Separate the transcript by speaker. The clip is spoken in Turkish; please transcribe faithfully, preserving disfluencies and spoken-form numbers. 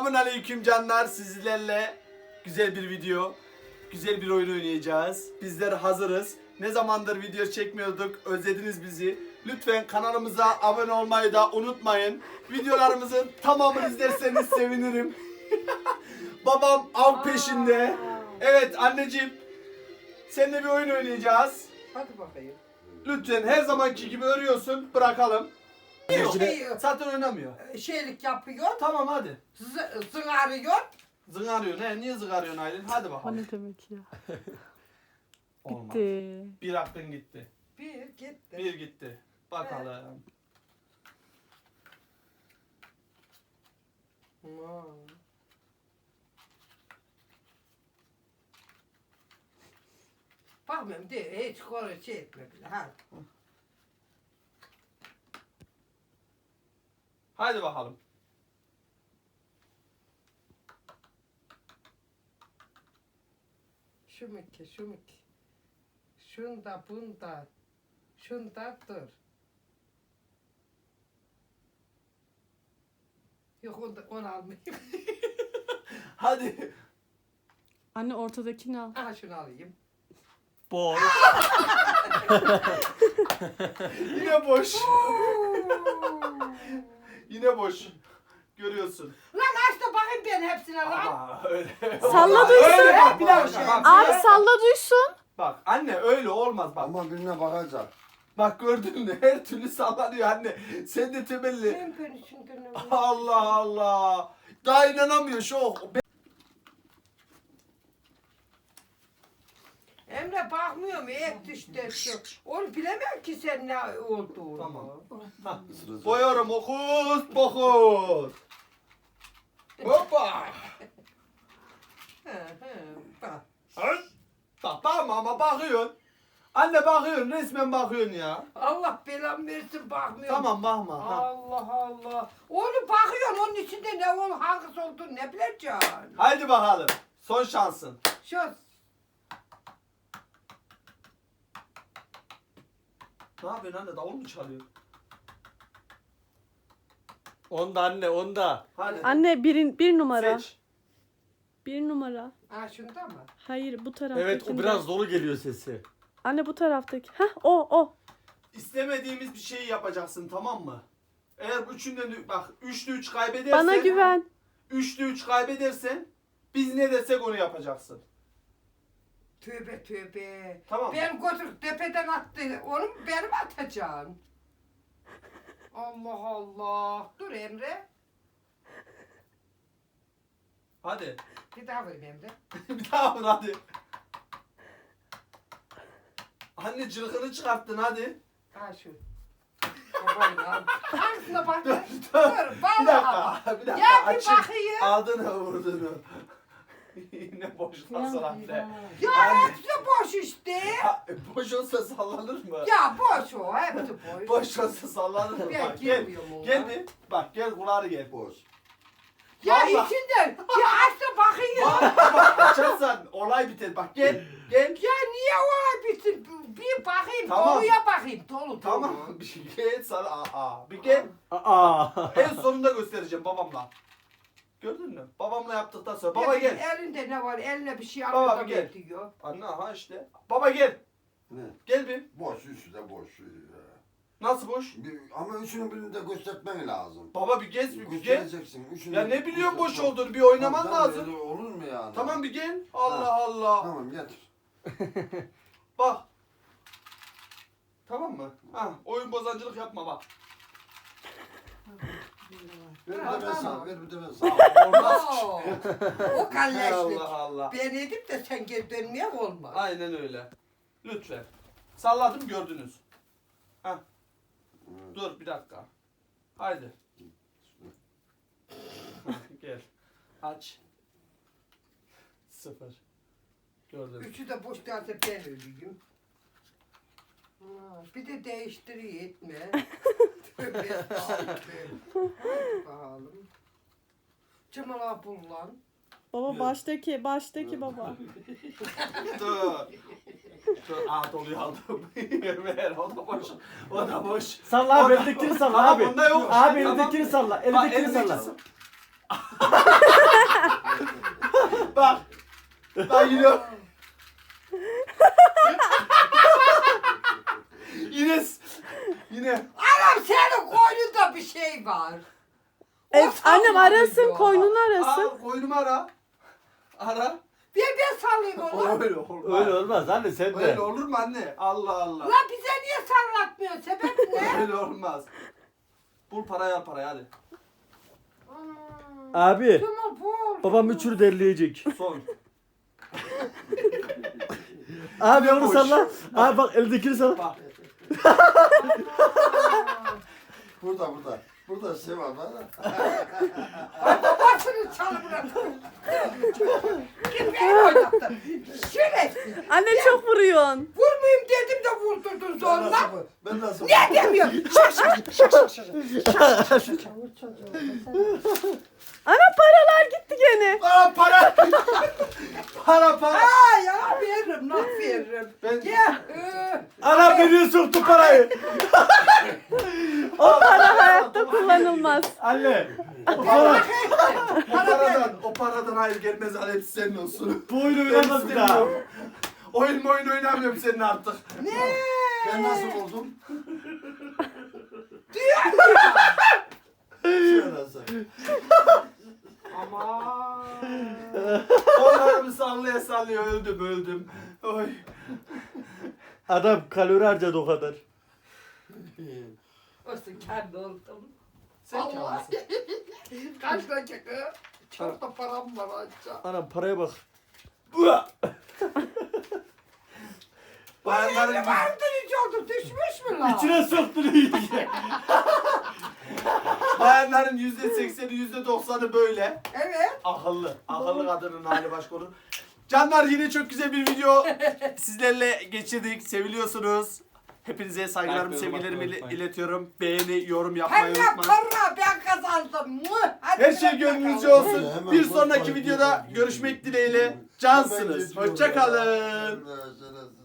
Speaker 1: Selamünaleyküm canlar, sizlerle güzel bir video, güzel bir oyun oynayacağız. Bizler hazırız. Ne zamandır video çekmiyorduk, özlediniz bizi. Lütfen kanalımıza abone olmayı da unutmayın. Videolarımızın tamamını izlerseniz sevinirim. Babam av peşinde. Evet anneciğim, seninle bir oyun oynayacağız.
Speaker 2: Hadi bakayım.
Speaker 1: Lütfen her zamanki gibi örüyorsun, bırakalım.
Speaker 2: Şey,
Speaker 1: Zaten oynamıyor.
Speaker 2: şeylik yapıyor,
Speaker 1: Tamam hadi.
Speaker 2: zı- zıngarıyor.
Speaker 1: Zıngarıyor. Ne? Niye zıngarıyorsun Aylin? Hadi
Speaker 3: O
Speaker 1: bakalım.
Speaker 3: ne demek ya?
Speaker 1: Olmaz.
Speaker 3: Gitti.
Speaker 1: Bir hakkın gitti.
Speaker 2: Bir gitti.
Speaker 1: Bir gitti. Bakalım.
Speaker 2: Aman. Bakmıyorum de hiç konu şey etme bile. Hadi.
Speaker 1: Hadi bakalım.
Speaker 2: Şu mükü, şu mükü. Şunda, bunda. Şunda dur. Yok onu, onu almayayım.
Speaker 1: Hadi.
Speaker 3: Anne ortadakini al.
Speaker 2: Aha şunu alayım.
Speaker 1: Boş. Yine boş. Yine boş. Görüyorsun.
Speaker 2: Lan aç da bakayım ben hepsine lan.
Speaker 1: Ama öyle.
Speaker 3: Salla
Speaker 1: Öyle
Speaker 3: duysun.
Speaker 1: bak, bir dakika bak.
Speaker 3: Abi salla duysun.
Speaker 1: Bak anne öyle olmaz bak.
Speaker 4: Ama birine bakacak.
Speaker 1: Bak gördün mü? Her türlü sallanıyor anne. Sen de temelli.
Speaker 2: Ben ben şimdi ne
Speaker 1: Allah Allah. Daha inanamıyor şok.
Speaker 2: Emre bakmıyorum et işte şu. Onu bilemem ki sen ne olduğunu.
Speaker 1: Tamam. Hah.
Speaker 4: Sırası.
Speaker 1: Boyuyorum okuz pokuz. Hoppa.
Speaker 2: Hı hı bak.
Speaker 1: Ay. Bak bakma ama bakıyorsun. Anne bakıyorsun resmen bakıyorsun ya.
Speaker 2: Allah belamı versin bakmıyorum.
Speaker 1: Tamam bakma. Ha.
Speaker 2: Allah Allah. Onu bakıyorsun onun içinde ne ol hangisi olduğunu ne bileceksin.
Speaker 1: Haydi bakalım. Son şansın.
Speaker 2: Şu
Speaker 1: Ne yapıyorsun anne davul mu çalıyor?
Speaker 5: Onda anne onda.
Speaker 1: Hadi.
Speaker 3: Anne birin, bir numara.
Speaker 1: Seç.
Speaker 3: Bir numara.
Speaker 2: ha şunda mı?
Speaker 3: Hayır bu taraftakinde.
Speaker 5: Evet o biraz dolu geliyor sesi.
Speaker 3: Anne bu taraftaki. Hah o o.
Speaker 1: İstemediğimiz bir şeyi yapacaksın tamam mı? Eğer üçünden de- bak üçlü üç kaybedersen.
Speaker 3: Bana güven.
Speaker 1: Üçlü üç kaybedersen biz ne desek onu yapacaksın.
Speaker 2: Tövbe tövbe.
Speaker 1: Tamam mı?
Speaker 2: Ben götür tepeden attı. Onu benim atacaksın. Allah Allah. Dur Emre.
Speaker 1: Hadi.
Speaker 2: Bir daha vurayım Emre.
Speaker 1: Bir daha vur hadi. Anne cırkını çıkarttın hadi.
Speaker 2: Ha şu. Babayla. Hangisine bak.
Speaker 1: Dur,
Speaker 2: Dur.
Speaker 1: dur. Bir
Speaker 2: Vallahi.
Speaker 1: dakika. Bir dakika.
Speaker 2: Ya bir
Speaker 1: Açık.
Speaker 2: bakayım.
Speaker 1: Aldığını vurduğunu. Yine boşlasın anne.
Speaker 2: Ya
Speaker 1: Anne.
Speaker 2: hepsi boş işte.
Speaker 1: Ha, boş olsa sallanır mı?
Speaker 2: Ya boş o. Hepsi boş.
Speaker 1: Boş olsa sallanır mı?
Speaker 2: Ben
Speaker 1: Bak gel.
Speaker 2: girmiyorum ona.
Speaker 1: Gel bir. Bak gel kulağını gel.
Speaker 4: Boş.
Speaker 2: Ya
Speaker 1: Vallahi.
Speaker 2: içinden. Ya aç da bakayım.
Speaker 1: Bak, bak açarsan olay biter. Bak gel. Gel.
Speaker 2: Ya niye o bitsin? Bir bakayım.
Speaker 1: Tamam.
Speaker 2: Doluya bakayım. Dolu dolu.
Speaker 1: Tamam. Bir şey gel sana. Aa, aa. Bir gel.
Speaker 5: Aa.
Speaker 1: En sonunda göstereceğim babamla. Gördün mü? Babamla yaptıktan sonra. Baba
Speaker 2: Ya
Speaker 1: gel.
Speaker 2: Elinde ne var? Eline bir şey
Speaker 1: Baba
Speaker 2: alıyor da
Speaker 1: bir gel.
Speaker 2: bekliyor.
Speaker 1: Anne ha işte. Baba gel.
Speaker 4: Ne?
Speaker 1: Gel bir.
Speaker 4: Boş, üçü de boş.
Speaker 1: Nasıl boş?
Speaker 4: Bir, ama üçünü birini de göstermen lazım.
Speaker 1: Baba bir gez bir, bir gel.
Speaker 4: Göstereceksin. Üçünü
Speaker 1: Ya
Speaker 4: de
Speaker 1: ne biliyorsun boş
Speaker 4: göstermen-
Speaker 1: olduğunu bir oynaman
Speaker 4: Tamam,
Speaker 1: lazım.
Speaker 4: öyle olur mu yani?
Speaker 1: Tamam bir gel. Allah
Speaker 4: Ha.
Speaker 1: Allah.
Speaker 4: Tamam getir.
Speaker 1: Bak. Tamam mı? Ha, oyun bozancılık yapma bak.
Speaker 4: Ver bir
Speaker 2: Ha,
Speaker 4: de ben
Speaker 2: tamam.
Speaker 4: sana, ver bir de ben sana.
Speaker 1: Olmaz.
Speaker 2: Oo, o kalleşlik.
Speaker 1: Allah Allah.
Speaker 2: Ben edip de sen geri dönmeye olmaz.
Speaker 1: Aynen öyle. Lütfen. Salladım gördünüz. Ha. Dur bir dakika. Haydi. Gel. Aç. Sıfır. Gördün.
Speaker 2: Üçü de boş derse ben öleyim. Ha, bir de değiştiriyor etme. Tövbe estağfurullah. Hadi bakalım. Cemal abi lan.
Speaker 3: Baba baştaki baştaki baba.
Speaker 1: Dur. Dur. Aa doluyu aldım. Ver o da boş. O da boş.
Speaker 5: Salla
Speaker 1: O
Speaker 5: abi
Speaker 1: da-
Speaker 5: elindekini salla
Speaker 1: Tamam,
Speaker 5: abi.
Speaker 1: bunda yok.
Speaker 5: Abi
Speaker 1: Tamam.
Speaker 5: elindekini salla.
Speaker 1: Bak,
Speaker 5: Elindekini
Speaker 1: elindeki-
Speaker 5: salla.
Speaker 1: Ben yine... yine... Yine...
Speaker 2: Anam senin koynunda bir şey var. O
Speaker 3: E, annem arasın,
Speaker 2: sallıyor.
Speaker 3: koynunu arasın.
Speaker 1: Aa, koynumu ara. Ara.
Speaker 2: Bir ben sallayayım onu.
Speaker 1: Öyle olmaz.
Speaker 5: Öyle olmaz anne sen de.
Speaker 1: Öyle olur mu anne? Allah Allah.
Speaker 2: La bize niye sallatmıyor? Sebep ne?
Speaker 1: Öyle olmaz. Bul parayı al parayı hadi.
Speaker 5: Abi
Speaker 2: Tamam bul.
Speaker 5: babam üçünü derleyecek.
Speaker 1: Son.
Speaker 5: Abi onu
Speaker 1: boş.
Speaker 5: salla. Abi bak eldekini salla.
Speaker 1: Bak.
Speaker 4: Burada burada. Burada şey var var.
Speaker 2: Babasını çalı bırakın. Kim beni oynattı? Şerefsiz.
Speaker 3: Anne çok vuruyorsun.
Speaker 2: Vurmayayım dedim de vurdurdun
Speaker 4: Ben
Speaker 2: zorla.
Speaker 4: nasıl? Ben nasıl?
Speaker 2: Ne demiyor? Şak şak şak şak şak.
Speaker 3: Ana paralar gitti gene.
Speaker 1: Aa para. para para.
Speaker 2: Aa ya veririm, nasıl veririm?
Speaker 1: Ben-
Speaker 2: Gel. Ee,
Speaker 5: Ana beni soktu parayı.
Speaker 3: O para hayatta kullanılmaz.
Speaker 5: Anne. O
Speaker 2: Gel
Speaker 5: para.
Speaker 2: bakayım.
Speaker 1: O paradan, o paradan hayır gelmez al hepsi senin olsun.
Speaker 5: Bu oyunu
Speaker 1: Ben
Speaker 5: oynamaz bir daha.
Speaker 1: istemiyorum. Oyun mu oyun oynamıyorum senin artık.
Speaker 2: Ne?
Speaker 4: Ben nasıl buldum?
Speaker 2: Diyor.
Speaker 4: Şöyle nasıl?
Speaker 2: Aman.
Speaker 1: Onlarımı sallaya sallaya öldüm öldüm. Oy.
Speaker 5: Adam kalori harcadı o kadar.
Speaker 2: Olsun kendi oldum.
Speaker 1: Sen
Speaker 2: Allah.
Speaker 1: kâlasın.
Speaker 2: Kaç dakika? Çok da param var aşağı.
Speaker 5: Anam paraya bak.
Speaker 1: Bayanların
Speaker 2: Ne vardı hiç oldu? Düşmüş mü lan?
Speaker 5: İçine soktun iyice.
Speaker 1: bayanların yüzde sekseni yüzde doksanı böyle.
Speaker 2: Evet.
Speaker 1: Akıllı. Akıllı kadının hali başka olur. Canlar yine çok güzel bir video sizlerle geçirdik. Seviliyorsunuz. Hepinize saygılarımı,
Speaker 5: Like, yorum
Speaker 1: sevgilerimi
Speaker 5: atmayı
Speaker 1: ile-
Speaker 5: unutmayın.
Speaker 1: iletiyorum. Beğeni, yorum yapmayı
Speaker 2: Para
Speaker 1: unutmayın.
Speaker 2: para ben kazandım. Muh. Hadi
Speaker 1: Her şey
Speaker 2: bırak
Speaker 1: gönlünüzce
Speaker 2: bakalım.
Speaker 1: olsun.
Speaker 4: Hemen
Speaker 1: Bir
Speaker 4: bak,
Speaker 1: sonraki
Speaker 4: bak,
Speaker 1: videoda
Speaker 4: bak,
Speaker 1: görüşmek
Speaker 4: bak.
Speaker 1: dileğiyle.
Speaker 4: Ben
Speaker 1: Cansınız.
Speaker 4: geçiyorum
Speaker 1: Hoşça kalın.
Speaker 4: ya.